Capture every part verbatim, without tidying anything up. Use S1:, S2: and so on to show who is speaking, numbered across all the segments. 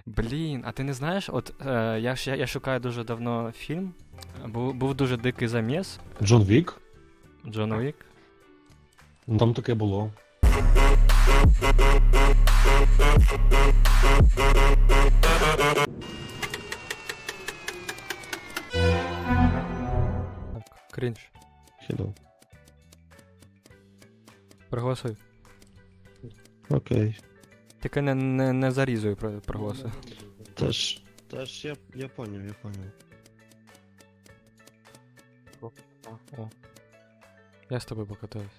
S1: Блін, а ти не знаєш, от е, я, ж- я, я шукаю дуже давно фільм. Був, був дуже дикий заміс.
S2: Джон Вік?
S1: Джон Уік.
S2: Ну там таке було.
S1: Так, крінж.
S2: Хіно.
S1: Проголосуй.
S2: Окей.
S1: Тільки не, не, не зарізуй про- проголосуй.
S2: Теж. Теж я, я поняв, я поняв.
S1: О. Я з тобою покатаюсь.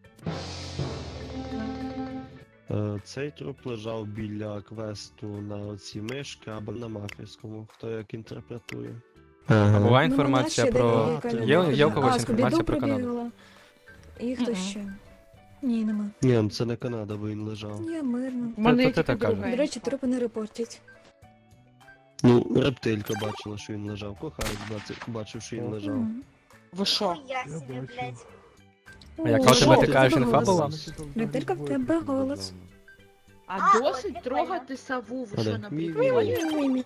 S2: Е, цей труп лежав біля квесту на оці мишки або на мафійському, хто як інтерпретує.
S1: А
S2: Ага.
S1: була
S3: Ну,
S1: інформація
S3: мене ще
S1: про.
S3: декілька
S2: Є-
S3: людей.
S1: є у когось
S3: А,
S1: інформація
S3: Скубіду
S1: про Канаду?
S3: пробігала. І хто
S4: Мгм.
S3: ще? Ні, нема.
S2: Ні, ну це не Канада, бо він лежав.
S3: Ні, мирно.
S4: У мене
S1: то
S4: є
S1: ти
S4: тільки
S1: так кажеш.
S4: друга
S3: До речі,
S4: інфа.
S3: трупи не репортять.
S2: Ну, рептилька бачила, що він лежав. Кохаєць бачив, бачив, що він лежав.
S3: Мгм.
S4: Ви що?
S5: Я себе, блядь.
S1: А яка
S3: О,
S1: у тебе
S3: що?
S1: така ж інфа
S3: голос.
S1: була?
S3: Рептилька, в тебе голос.
S4: А
S5: А,
S4: досить
S5: от
S4: трогати сову, ви
S2: Але
S4: що
S2: мій-
S4: набігли?
S3: Мі-мі-мі.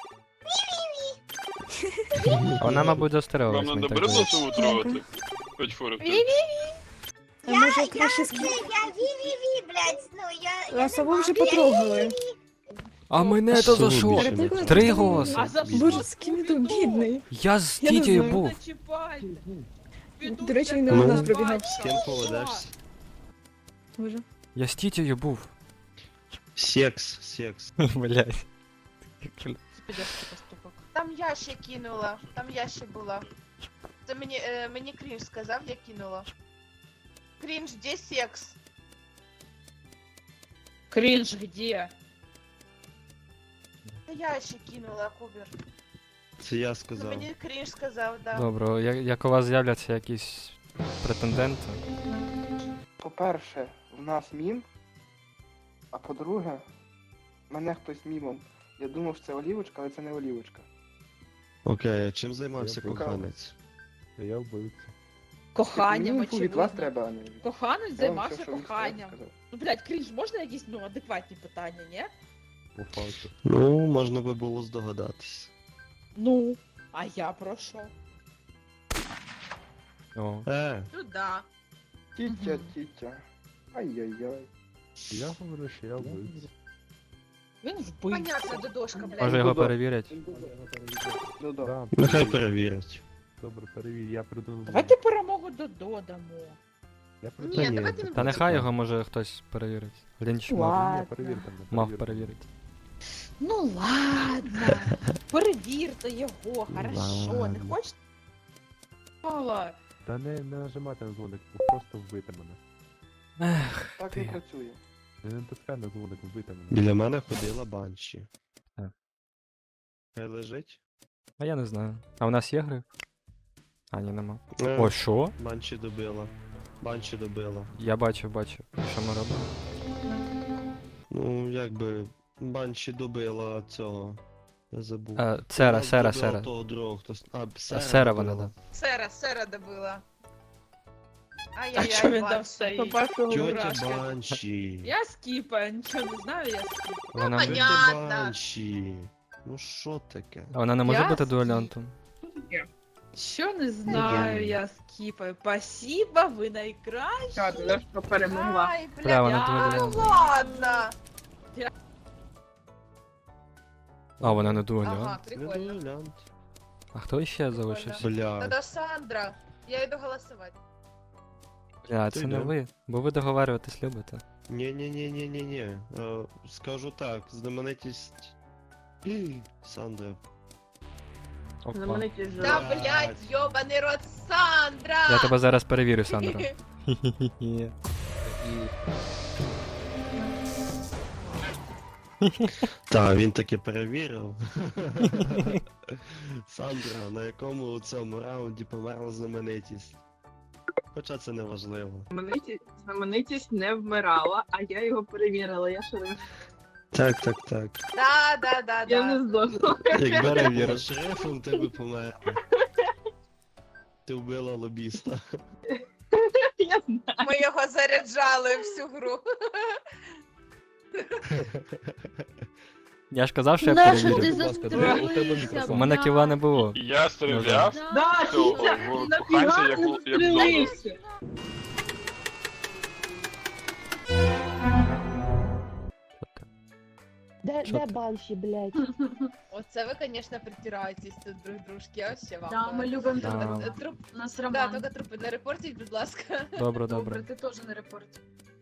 S1: А вона, мабуть,
S6: Вам
S1: застереглась.
S6: надо
S1: мені так
S6: бризло
S1: здається.
S6: сову трогати? Хоч фору.
S3: А може
S5: Я,
S3: краще
S5: я,
S3: з
S5: це, я ві-ві-ві, блядь, ну я...
S3: А
S5: я
S3: сову
S5: не
S3: вже
S5: мав.
S3: потрогали.
S1: А мене то за що?
S2: Більше не
S3: Рептилька
S2: треба.
S1: Три
S3: просто
S1: голоси.
S3: не-
S4: А за що?
S3: Боже, скіміду, бідний.
S1: Я з
S3: Я не
S1: тітєю
S3: знаю.
S1: був.
S4: Не чіпайте. Піду
S3: До речі, він
S4: я
S3: не
S2: у
S4: там
S2: нас
S3: пробігав.
S4: бачу.
S2: З ким поведешся?
S3: Боже.
S1: Я з тітєю був.
S2: Секс, секс.
S1: Блять.
S4: Підешки поступок.
S7: Там я ще кинула, там я ще була. Це мені, е, мені крінж сказав, я кинула. Крінж, де секс?
S4: Крінж где?
S7: Це я ще кинула, Кубер.
S2: Це я
S7: Це
S2: сказав.
S7: мені крінж сказав, да.
S1: Добре, я- як у вас з'являться якісь претенденти?
S8: По-перше, в нас мім, а по-друге, мене хтось мімом. Я думав, що це олівочка, але це не олівочка.
S2: Окей, а чим займався
S8: Я покажу.
S2: коханець?
S9: Я вбивця.
S4: Коханням,
S8: Мені інфу від вас
S4: очевидно.
S8: треба, а не від...
S4: Коханець
S8: Я вам
S4: займався
S8: все, що він
S4: коханням.
S8: сказав.
S4: Ну, блядь, крінж, можна якісь, ну, адекватні питання, ні?
S9: По факту.
S2: Ну, можна би було здогадатись.
S4: Ну, а я про що?
S1: О.
S2: Е,
S7: Ну да.
S8: Тітя,
S4: Мгм.
S8: тітя. Ай-яй-яй.
S9: Я говорю, що я вбивця.
S4: Він вбивця.
S7: Понятно, додошка, блядь.
S1: Може його
S8: Додо.
S1: перевірять?
S8: Ну да.
S9: Да,
S2: нехай
S9: перевір.
S2: перевірять.
S9: Добре, перевір, я придумав.
S4: Давайте перемогу Додо дамо.
S9: Я
S7: Ні,
S2: Та ні.
S7: давайте не
S1: Та
S7: будемо.
S1: нехай його може хтось перевірить. Лінч мав,
S4: Ладно.
S9: Ні, перевір там. не
S1: мав
S9: перевір.
S1: перевірити.
S4: Ну ладно. Перевірте його, хорошо. Не
S2: Ладно.
S4: хочете? Мало.
S9: Та не, не нажимайте на дзвоник, просто вбити мене.
S1: Ех,
S8: Так
S1: ти.
S8: не працює.
S9: Не натискай на дзвоник, вбити мене.
S2: Біля мене ходила банші.
S1: Так.
S2: Хай лежить.
S1: А я не знаю. А у нас є гри? А, ні, нема.
S2: Е,
S1: О, що?
S2: Банші добила. Банші добила.
S1: Я бачив, бачив. Що ми робимо?
S2: Ну, якби банші добила цього. Я забув.
S1: Е, Сера,
S2: Вона
S1: сера,
S2: добила
S1: сера.
S2: Того другого, хто... с- А, сера,
S1: Сера вона,
S2: добила.
S1: да.
S7: Сера, сера добила.
S4: А
S7: Ай-яй-яй,
S4: що він там
S7: Ванса.
S4: стоїть?
S8: По-перше,
S2: Тьотя
S4: Дурашка.
S2: банші.
S4: Я скіпаю, нічого не знаю, я скіпаю.
S1: Вона,
S7: понятно.
S2: Тьотя
S7: Понятно.
S2: банші. Ну що таке?
S1: а вона не може
S4: Я
S1: бути
S4: скіп.
S1: дуелянтом?
S4: Що не знаю, я скіпаю. Спасибо, ви найкращі.
S7: Ай,
S1: Бля,
S7: блядь,
S1: вона
S7: ну
S1: дуелянт.
S7: ладно.
S1: А, вона не дуелянт.
S7: Ага,
S2: Не
S7: прикольно.
S2: дуелянт.
S1: А хто ще залишився?
S2: Бля.
S7: Тогда Сандра. Я йду голосувати.
S1: Бля,
S2: Ти
S1: це не
S2: йде.
S1: ви. Бо ви договарюватись любите.
S2: Ні-ні-ні-ні-ні-ні. Е, Скажу так, знаменитість... Сандра.
S1: Опа.
S7: Да,
S2: Блядь.
S7: блядь, йобаний рот Сандра!
S1: Я тебе зараз перевірю, Сандра. Хі-хі-хі.
S2: Так, він таки перевірив. Сандра, на якому у цьому раунді померла знаменитість. Хоча це не важливо.
S10: Знаменитість, знаменитість не вмирала, а я його перевірила. Я шериф.
S2: Так, так, так.
S7: Да, да, да,
S10: Я
S7: да.
S10: не здохла.
S2: Якби не була шерифом, ти би померла. Ти вбила лобіста.
S10: Я знаю.
S7: Ми його заряджали всю гру.
S1: Я ж казав, що я
S3: Нащо
S1: перевірю.
S3: ти
S2: Будь ласка,
S3: застрелився,
S2: у тебе
S1: У
S2: мікрофон.
S1: мене кіла не було.
S6: Я стріляв,
S10: Да,
S6: то
S10: Вітя,
S6: в
S10: нафіга
S6: коханця як
S10: не
S6: л- як зону.
S10: стрілився?
S1: Де,
S3: де банші, блядь?
S7: Оце ви, звісно, притираєтесь тут друг дружки, я вообще вам.
S10: Да, ми
S7: говорю.
S10: любимо
S1: Да.
S10: тебе.
S7: Е, Труп,
S10: У нас
S7: да,
S10: роман.
S7: тільки трупи не репортіть, будь ласка.
S1: Добре,
S10: Добре,
S1: добре.
S10: ти теж не репорт.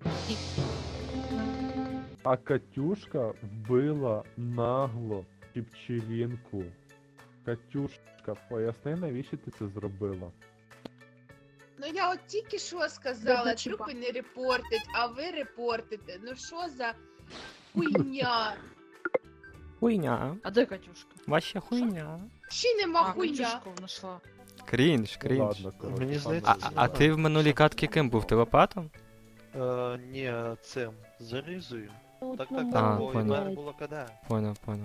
S9: А Катюшка вбила нагло Чіпчелінку. Катюшка, поясни, навіщо ти це зробила?
S7: Ну я от тільки що сказала,
S10: Добре, Чіпа.
S7: трупи не репортять, а ви репортите. Ну що за хуйня?
S1: Хуйня.
S4: А де Катюшка?
S1: Ваша хуйня.
S7: Ще нема
S4: А,
S7: хуйня.
S4: Катюшку знайшла.
S1: Крінж,
S9: Ну,
S1: крінж.
S9: ладно, коротше.
S2: Мені
S1: А,
S2: здається,
S1: а, а ти в минулій катці ким був? Телепатом?
S2: Е, ні, цим, зарізую. Так, так,
S1: А,
S2: так, бо в
S1: понял.
S2: мене було КД.
S1: Поняв, поняв.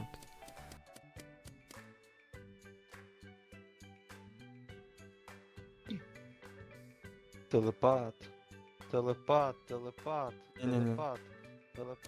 S2: Телепат. Телепат, телепат,
S1: Ні-ні-ні.
S2: телепат. Телепат.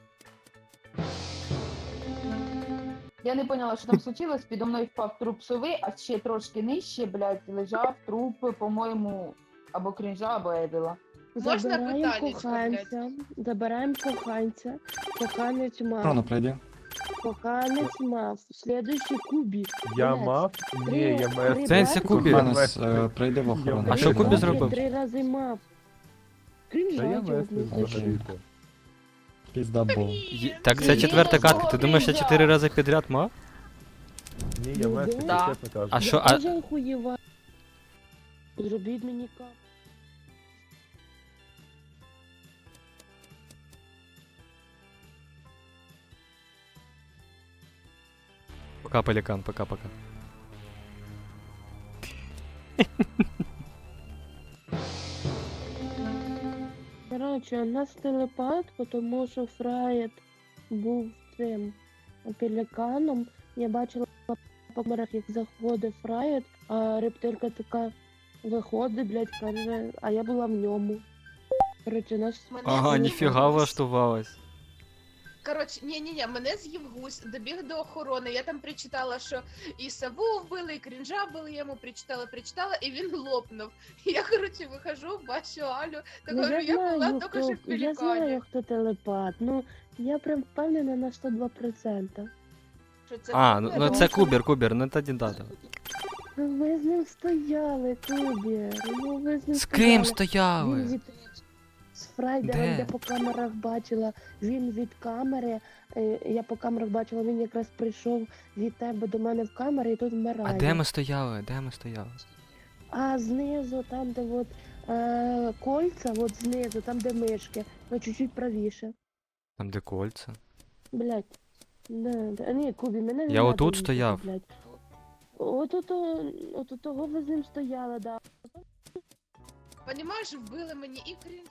S11: Я не поняла, що там случилось, підо мною впав труп сови, а ще трошки нижче, блядь, лежав труп, по-моєму, або крінжа, або Едела.
S7: Можна
S3: Забираємо
S7: питаннячко,
S3: коханця, забираємо коханця, коханець мав,
S1: Рано пройди.
S3: коханець мав, слідуючий кубі.
S9: Я
S3: Блядь,
S9: мав?
S3: три-
S9: Ні, я мав.
S3: три
S1: Сенсі
S3: бабки,
S1: Кубі.
S9: Коханець,
S1: е,
S9: прийди в
S1: охорону. А що Кубі
S3: бабки
S1: зробив?
S3: Три рази мав.
S9: Та я
S3: Крінжа,
S9: вести
S3: йобнутий.
S9: взагалі-то.
S1: Є- Так це четверта катка. Ти думаєш, я чотири рази підряд мав?
S9: Ні, я
S3: Ну,
S9: вести,
S3: да.
S9: чесно кажу.
S1: А що,
S3: Я
S1: а-
S3: теж охуєва. Зробіть мені кап.
S1: Пока, пелікан, пока-пока.
S3: Коротше, у нас телепат, тому що Фраєт був цим пеліканом. Я бачила по камерах, як заходить Фраєт, а рептилька така виходить, блядь, каже, а я була в ньому. Коротше, нас...
S7: Мене
S1: Ага,
S7: з'їв
S1: ніфіга
S7: гусь.
S1: влаштувалась.
S7: Коротше, ні-ні-ні, мене з'їв гусь, добіг до охорони. Я там причитала, що і сову вбили, і крінжа вбили, я йому причитала, причитала, і він лопнув. Я, коротше, вихожу, бачу Алю, так
S3: Ну,
S7: говорю,
S3: я
S7: я була
S3: знаю,
S7: тільки що
S3: хто,
S7: в
S3: я знаю,
S7: пелікані.
S3: хто телепат. Ну, я прям впевнена на сто два відсотки.
S7: Що це
S1: А, ну,
S7: Кубер?
S1: ну це Кубір, Кубір, ну тоді да.
S3: Ну, ми з ним стояли, Кубір. Ну, ви з ним
S1: З ким
S3: стояли. Він
S1: стояли?
S3: від... З Фрайдером,
S1: Де?
S3: я по камерах бачила, він від камери, е, я по камерах бачила, він якраз прийшов від тебе до мене в камеру і тут
S1: А
S3: вмирає.
S1: де ми стояли? Де ми стояли?
S3: А знизу, там, де от, е, кольця, от знизу, там, де мишки, ну чуть-чуть правіше.
S1: Там де кольця?
S3: Блять. Да, да. Ні, Кубі, мене не
S1: Я
S3: надо
S1: отут
S3: їхати,
S1: стояв.
S3: блядь. От ото, от у того ви з ним стояли, да.
S7: Понімаєш, вбили мені і крінж.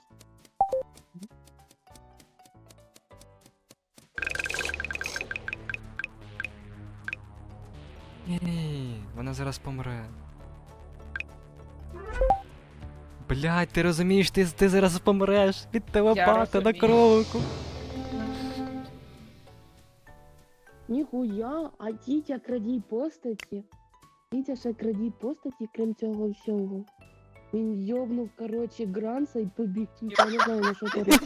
S1: Ні, вона зараз помре. Блять, ти розумієш, ти, ти зараз помреш від телепата на
S4: розумію.
S1: кролику.
S3: Ніхуя, а Тітя крадій постаті. Тітя ще крадій постаті, крім цього всього. Він йобнув, короче, Гранса і побіг. Тітя, я не знаю, на що ти робиш.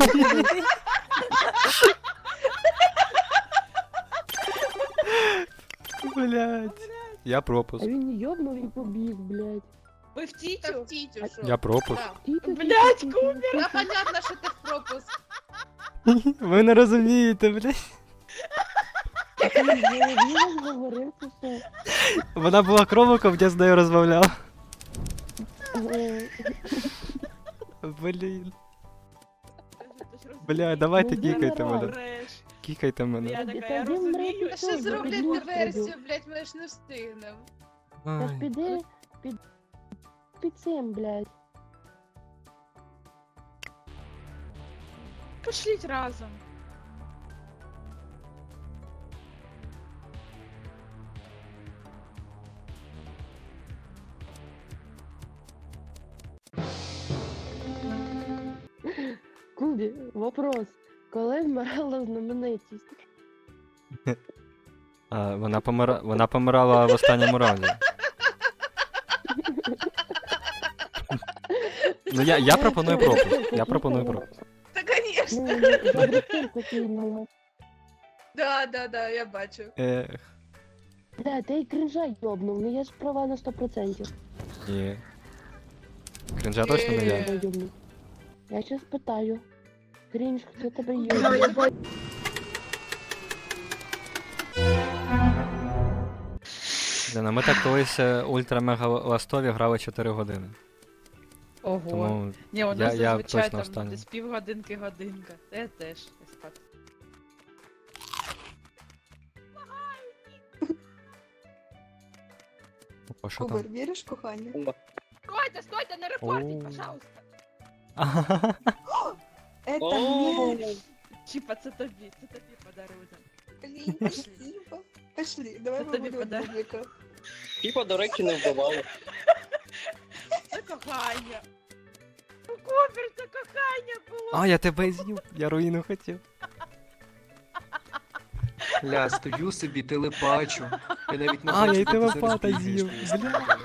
S1: Блять. Я
S3: А
S1: пропуск.
S3: він йобнув і побіг, блядь.
S4: Ви в
S7: Та
S4: тітю?
S7: в тітю, що?
S1: Я пропуск.
S7: Так.
S3: Тітя,
S4: Блядь,
S3: тітя, тітя.
S7: Та понятно, що ти в пропуск.
S1: Ви не розумієте, блять.
S3: Ти в голові говорив, чи що?
S1: Вона була кроликом, я з нею розмовляв.
S3: Е,
S1: Блін. Бля, давайте
S3: Ну,
S1: кікайте
S3: генерал.
S1: мене. Кікайте мене.
S4: Я
S3: Та
S4: така, я
S3: він
S4: розумію.
S3: мріє
S7: А
S3: Що,
S7: ще
S3: я
S7: зроблять
S3: підлюструю?
S7: диверсію, блядь, ми ж не встигнемо.
S3: Та ж
S1: Ай.
S3: піди, під... під цим, блядь.
S4: Пошліть разом.
S3: Кубі, вопрос. Коли вмирала знаменитість?
S1: А, вона, помира... вона помирала в останньому раунді. Ну я, я пропоную пропуск. Я пропоную пропуск.
S7: Та, конечно.
S3: Ну, я бутилку кинула.
S7: Да, да, да, я бачу.
S1: Ех,
S3: Да, ти й кринжа йобнув, ну я ж права на сто процентів.
S1: ні. Крінжа точно не я.
S7: Е.
S3: Йобнув. Я щас питаю. Крінж, хто тебе йобнув?
S1: Лена, ми так колись е, ультра-мега ластові грали чотири години.
S4: Ого.
S1: Тому
S4: Ні, у
S1: я-
S4: нас
S1: я
S4: зазвичай
S1: точно
S4: там
S1: останній.
S4: десь півгодинки годинка. Та я теж ось так.
S1: О, що там?
S5: віриш, кохання?
S4: Стойте, стойте, не репортіть,
S1: О.
S4: пожалуйста.
S5: Это
S4: Чіпа, це тобі, це тобі подарунок.
S5: Блін, спасибо. Пошли, давай
S4: Це тобі
S5: побудемо
S4: подарунок.
S5: бублика.
S6: Типа, до речі, не вбивали.
S4: Це кохання. Ну, Кубер, це кохання було.
S1: А, я тебе з'їв, я руїну хотів.
S12: Ля, стою собі, телепачу. Я навіть не
S1: А, я
S12: бачу,
S1: й
S12: де ти зараз
S1: телепата
S12: бігаєш.
S1: з'їв, бля.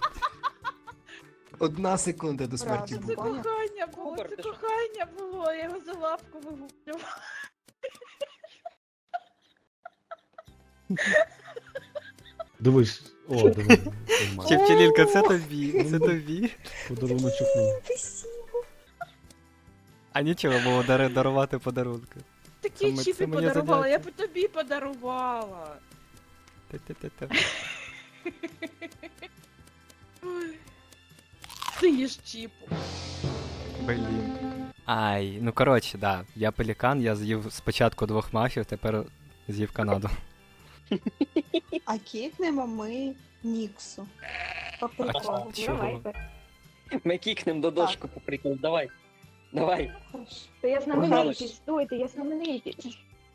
S12: Одна секунда до смерті
S5: Правда.
S4: Це
S12: була.
S5: Поняв?
S4: кохання було,
S6: Кубер,
S4: це
S6: ти що?
S4: кохання було, я його за лапку вигублювала.
S2: Дивись, о, дивись.
S1: Чепчелінка, це тобі, це тобі.
S2: Подаруночок.
S1: А нічого було дари- дарувати подарунки.
S4: Такі
S1: Це ми-
S4: чіпи
S1: це моє
S4: подарувала, я
S1: заняття.
S4: б тобі подарувала.
S1: Те-те-те-те.
S4: Ой. Ти їж чіпу.
S1: Блін. Ай, ну коротше, да. Я пелікан, я з'їв спочатку двох мафів, тепер з'їв Канаду.
S5: А кікнемо ми Ніксу. По приколу.
S1: Чого?
S6: Ми кікнем до дошку по приколу, давай. Давай.
S5: Хорошо.
S11: Та я
S6: знаменитий,
S11: стойте, я знаменитий.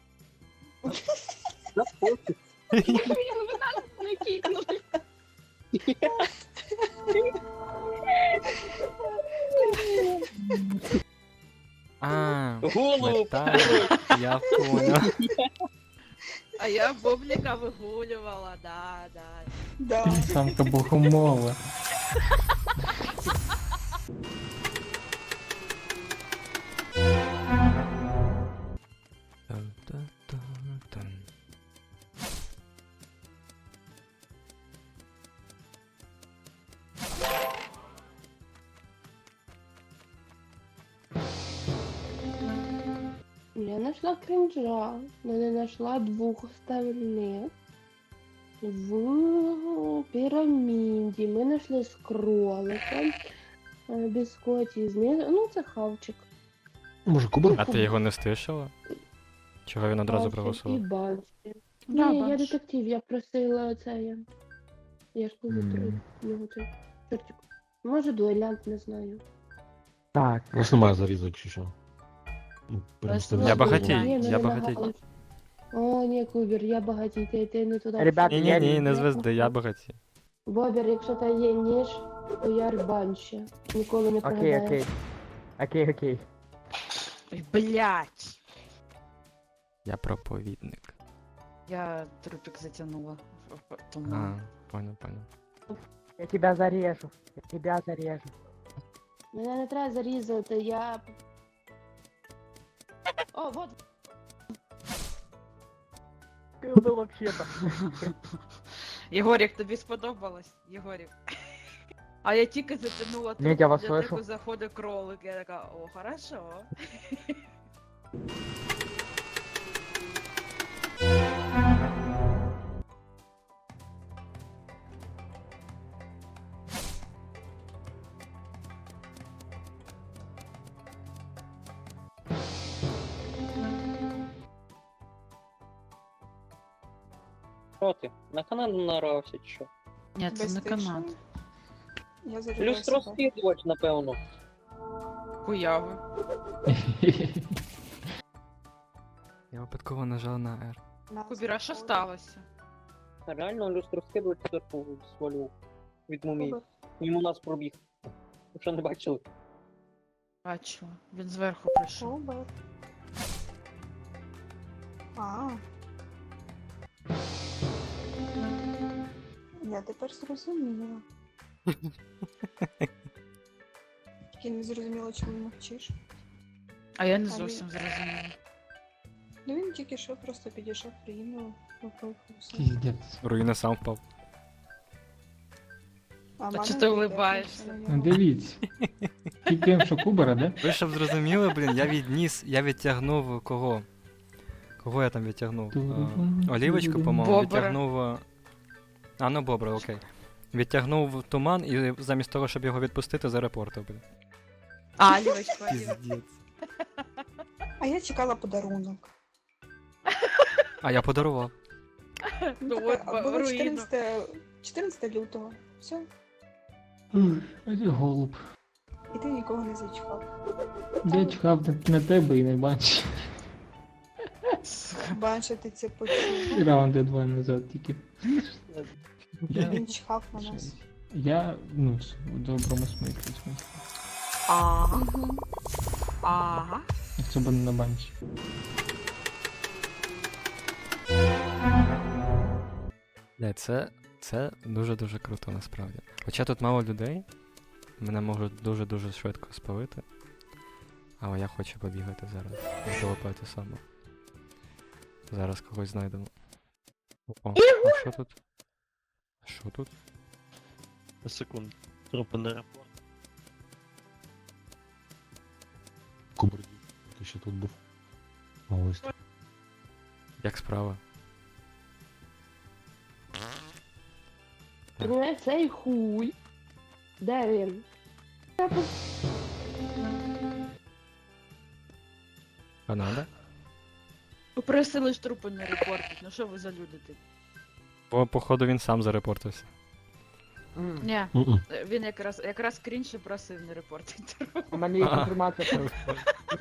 S1: А,
S6: Голову
S1: так, я понял.
S4: А я бублика вигулювала, да, да.
S5: Да.
S1: Самка богомола. Тан-та-та-тан.
S3: Я нашла кринжа, но не нашла двух остальных. В піраміді ми знайшли з кроликом, е, біскоті знизу. Ну, це хавчик.
S2: Може, кубер?
S1: А ти його не стишила? Чого він одразу
S3: Хавчик і
S1: проголосував?
S3: банші.
S4: Да,
S3: Ні, я
S4: банші.
S3: детектив, я просила це я. Я ж кажу,
S9: Мгм.
S3: його цей чортик. Може, дуелянт, не знаю.
S9: Так.
S2: У вас немає зарізок чи що? Ну, перемістити
S1: Я
S2: зарізок.
S1: багатій,
S3: Ні, ну,
S1: я
S3: не
S1: багатій.
S3: нагалиш. О, ні, Кубер, я багатій, ти, ти не туди.
S9: Ребят,
S1: Ні, ні, ні, не звезди, я багаті.
S3: Бобер, якщо та є ніж, то я рбанща. Ніколи не
S9: Окей,
S3: прогадаєш.
S9: окей. Окей, окей.
S4: Ой, блядь.
S1: Я проповідник.
S4: Я трупик затягнула. Тому...
S1: А, понял, понял.
S9: Я тебя зарежу. Я тебя зарежу.
S3: Мене не треба зарізати, я. О, вот.
S9: Ты был вообще-то.
S4: Єгорік, тобі сподобалось? Єгорік. А я тільки затягнула
S9: Ні, я вас
S4: для
S9: слышу.
S4: тебе заходить кролик. Я така, о, хорошо.
S6: Що ти? На канал нарався чи що?
S4: Ні, це не канат.
S5: Я зарядила себе.
S6: Люстросвідувач, напевно.
S4: Хуяви.
S1: Я випадково нажав на R.
S5: Нас
S4: Кубіра, що
S5: заходить.
S4: сталося?
S6: Реально люстросвідувач зверху свалював. Від мумії.
S5: Кубер.
S6: Мимо нас пробіг. Ви що не бачили?
S4: Бачу, він зверху прийшов.
S5: Кубер. А, Я тепер зрозуміла. Тільки не зрозуміла, чому мовчиш.
S4: А я не
S5: А
S4: зовсім
S5: ні.
S4: зрозуміла.
S5: Ну він тільки що просто підійшов, приїхав, попив все.
S12: Піздець.
S1: Руїна сам впав.
S5: А
S4: Та
S5: мама
S4: чи ти
S5: не
S4: улибаєшся?
S5: дивиться на
S12: Ну
S5: нього.
S12: дивіться. Тільки що Кубера, да?
S1: Ви щоб зрозуміли, блін, я відніс, я відтягнув кого? Кого я там відтягнув? А, Олівочку, по-моєму,
S4: Бобра.
S1: відтягнув. а, А, ну Бобра, окей. Відтягнув туман і замість того, щоб його відпустити, зарепортив, блін.
S4: А, Олівочка, Олівочка.
S1: Піздець.
S5: А я чекала подарунок.
S1: А я подарував.
S4: Ну
S5: Так,
S4: от,
S5: а було
S4: руїна.
S5: чотирнадцяте чотирнадцяте лютого. Все.
S12: Ой, голуб.
S5: І ти нікого не зачекав.
S12: Я чекав на- на тебе і не бачив.
S5: Бачити це почув.
S12: Раунди два назад тільки. Я,
S5: Він чекав на нас.
S12: я ну, в доброму смислі, в смислі.
S4: Ага.
S5: Угу.
S4: Ага.
S12: Якщо б не на банчі.
S1: Бля, це, це дуже-дуже круто насправді. Хоча тут мало людей, мене можуть дуже-дуже швидко спалити. Але я хочу побігати зараз. Залопати саме. Зараз когось знайдемо. О, а що тут? А що тут?
S2: Секунду. Трупи на аеропорт.
S13: Куберді, який ще тут був. А ось так.
S1: Як справа?
S3: Ну, цей хуй. Де він?
S1: Канада?
S4: Попросили ж трупи не репортити, ну що ви за люди ти?
S1: Бо, походу, він сам зарепортився.
S4: Ні,
S13: Мгм.
S4: він якраз, якраз крінж і просив не репортити.
S9: У мене є
S1: А.
S9: інформація про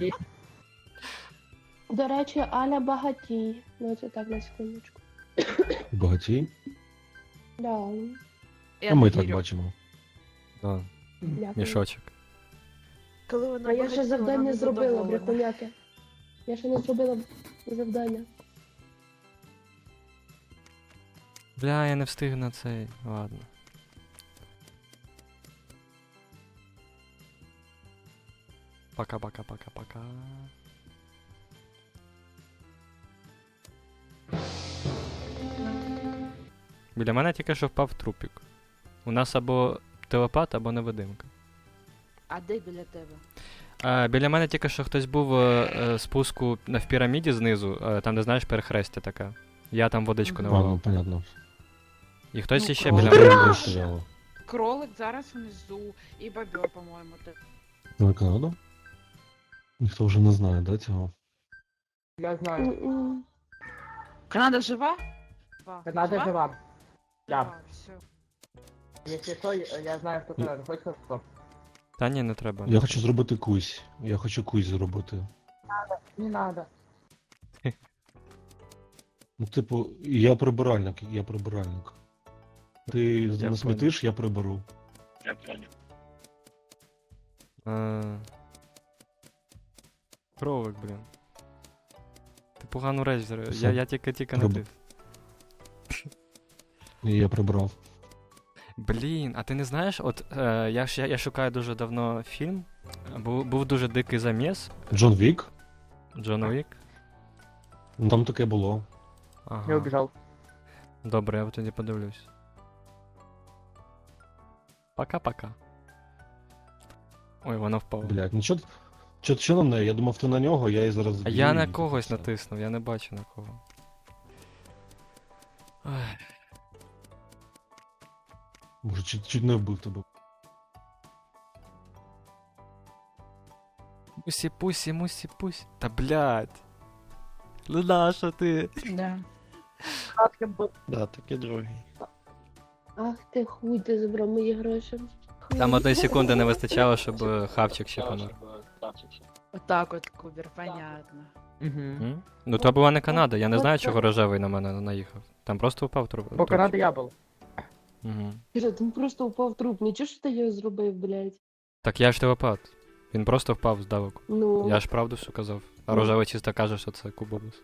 S3: До речі, Аля багатій. Ну, це так на секундочку.
S13: Багатій?
S3: Да.
S4: Я
S13: А ми
S4: не
S13: так
S4: вірю.
S13: бачимо.
S1: Да,
S3: Дякую.
S1: мішочок.
S4: Коли вона
S3: А я ще
S4: багатіла,
S3: завдання
S4: вона
S3: зробила,
S4: незадоволена.
S3: брехуняки. Я ще не зробила завдання.
S1: Бля, я не встиг на цей. Ладно. Пока-пока-пока-пока. Біля мене тільки що впав трупік. У нас або телепат, або невидимка.
S4: А де біля тебе?
S1: А, біля мене тільки що хтось був е, е, спуску на в піраміді знизу, е, там де знаєш перехрестя така. Я там водичку
S4: Мгм.
S13: А,
S1: наливав.
S13: ну понятно.
S1: І хтось
S4: Ну,
S1: іще
S4: кров.
S1: біля
S13: Може,
S1: мене.
S13: там
S1: був.
S13: стояло.
S4: Кролик зараз внизу, і бобер, по-моєму, те.
S13: Ну, Канада? Ніхто вже не знає, да, цього?
S9: Я знаю.
S3: М-м.
S4: Канада жива? Жива.
S9: Канада жива. Да.
S4: Жива, все.
S9: Якщо що, я знаю, хто Канада. Хочеш хто?
S1: Та ні, не треба.
S13: Я хочу зробити кусь. Я хочу кусь зробити.
S9: Не надо.
S13: Ну, типу, я прибиральник, я прибиральник. Ти
S1: Я
S13: насмітиш, я приберу.
S1: Е, Кролик, блін. Ти погану реч зробив.
S13: Все.
S1: Я, я тільки тільки
S13: Роб-
S1: натис.
S13: І я прибрав.
S1: Блін, а ти не знаєш, от е, я, ж- я, я шукаю дуже давно фільм. Був, був дуже дикий заміс.
S13: Джон Вік?
S1: Джон Уік.
S13: Ну там таке було.
S9: Я
S1: Ага.
S9: убежал.
S1: Добре, я тоді подивлюсь. Пока-пока. Ой, воно впало.
S13: Блять, ну чо, чо, чо на неї? Я думав, ти на нього, я її зараз
S1: А
S13: зб'ю
S1: я
S13: і
S1: на
S13: типу
S1: когось
S13: все.
S1: натиснув, я не бачу на кого. Ай.
S13: Може, чуть, чуть не вбив тебе.
S1: Мусі, пусі, мусі, пусі. Та блядь. Ну нащо ти?
S4: Да.
S2: Да, таке другий.
S3: Ах ти хуй, ти забрав мої гроші. Хуй.
S1: Там одної секунди не вистачало, щоб е, хавчик ще помер.
S4: Отак от, Кубер, понятно.
S9: Угу.
S1: М? Ну то була не Канада, я не знаю, чого рожевий на мене наїхав. Там просто упав труп.
S9: Бо Канада я був.
S1: Угу.
S3: Кіра, там просто упав труп. Нічого що ти його зробив, блядь.
S1: Так я ж телепат. Він просто впав здалеку.
S3: Ну.
S1: Я ж правду все казав. А
S3: Ну.
S1: рожевий чисто каже, що це кубобус.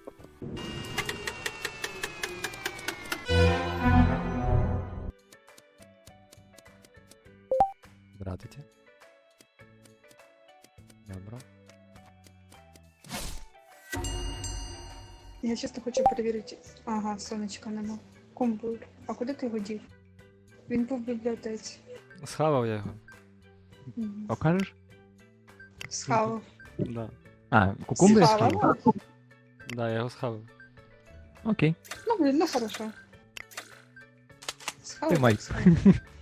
S5: Я чисто хочу перевірити. Ага, сонечка нема. Кумбур. А куди ти його дів? Він був в бібліотеці.
S1: Схавав я його.
S5: Мгм.
S14: Покажеш?
S5: Схавав.
S1: Да.
S14: А, кукумби
S5: Схавала?
S14: скинув?
S1: Да, я його схавав.
S14: Окей.
S5: Ну, блін, ну хорошо. Схавав.
S14: Тримай.
S5: так схавав.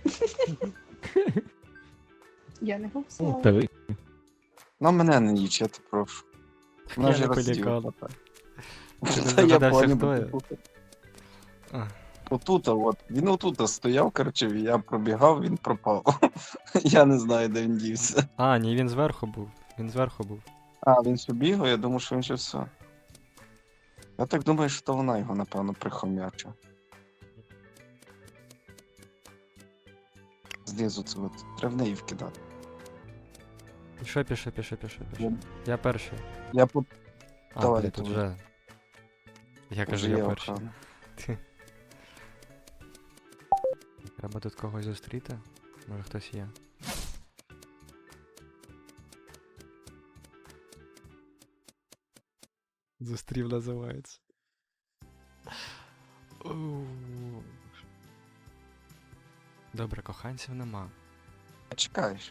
S5: Я не
S14: Ну,
S5: голосувала.
S14: та ви.
S15: Ну мене не їч, я тебе прошу. Вона
S1: Я
S15: ж
S1: не
S15: розділа.
S1: полікав. Ти не
S15: Та я
S1: здогадався,
S15: поняв,
S1: хто я?
S15: бо тут-
S1: А.
S15: Отут, от. Він отут стояв, коротше, я пробігав, він пропав. Я не знаю, де він дівся.
S1: А, ні, він зверху був. Він зверху був.
S15: А, він ще бігав, я думав, що він ще все. Я так думаю, що то вона його, напевно, прихомячила. Знизу це от. Треба в неї вкидати.
S1: Пішов, пішов, пішов, пішов, пішов.
S15: Я-
S1: Я перший.
S15: Я по...
S1: А,
S15: Давай,
S1: блін, тут
S15: давай.
S1: вже. Я кажу,
S15: Вже
S1: я
S15: є
S1: перший.
S15: охрана.
S1: Треба тут когось зустріти. Може хтось є. Зустрів називається. Оу. Добре, коханців нема.
S15: Чекаєш.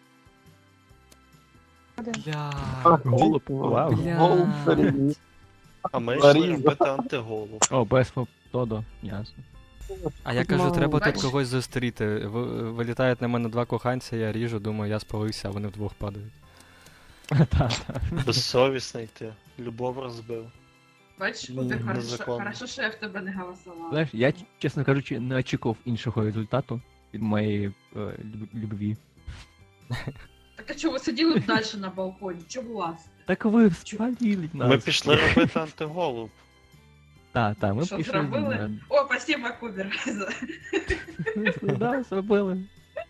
S1: Бля.
S14: Голуб, вау.
S1: Бля.
S15: Голуб переміг.
S2: А ми
S15: Зарізав.
S2: йшли робити антиголу.
S14: О, без Тодо, ясно.
S1: А я кажу, треба тут
S4: Бач?
S1: когось зустріти. Ви- Вилітають на мене два коханця, я ріжу, думаю, я спалився, а вони вдвох падають.
S14: Та-та.
S2: Безсовісний ти. Любов розбив.
S4: Бач,
S1: Ні,
S4: Кубер, хорошо,
S2: незаконно.
S4: хорошо, що я в тебе не голосувала.
S14: Знаєш, я, чесно кажучи, не очікував іншого результату від моєї е, люб- любві.
S4: Так а чого ви сиділи б далі на балконі? Чого вас?
S14: Так ви спалили нас.
S2: Ми пішли робити антиголу.
S14: Та, та, ми
S4: Що,
S14: пішли.
S4: зробили?
S14: на-
S4: О, спасибо, Кубер.
S14: Да, зробили.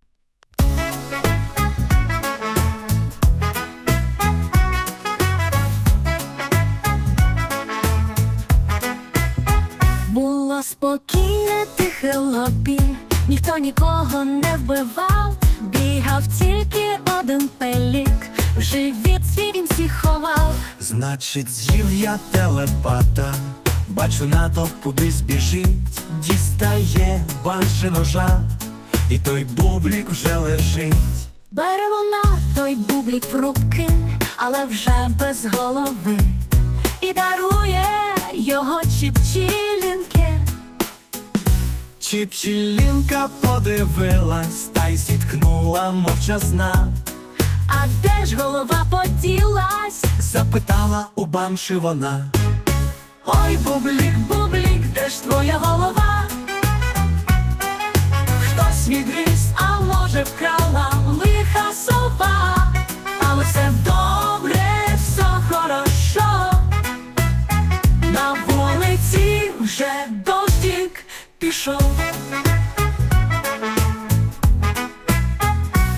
S16: Було спокійне тихе лобі, ніхто нікого не вбивав, бігав тільки один пелік, в живіт свій він всіх ховав.
S17: Значить, з'їв я телепата, бачу, натовп кудись біжить, дістає банши ножа, і той бублік вже лежить.
S16: Бере вона той бублік в руки, але вже без голови, і дарує його чіпчілінки.
S17: Чіпчілінка подивилась, та й зіткнула мовчазна.
S16: А де ж голова поділась?
S17: Запитала у банши вона.
S16: Ой, бублік, бублік, де ж твоя голова? Хтось відгриз, а може вкрала лиха сова. Але все добре, все хорошо. На вулиці вже дощик пішов.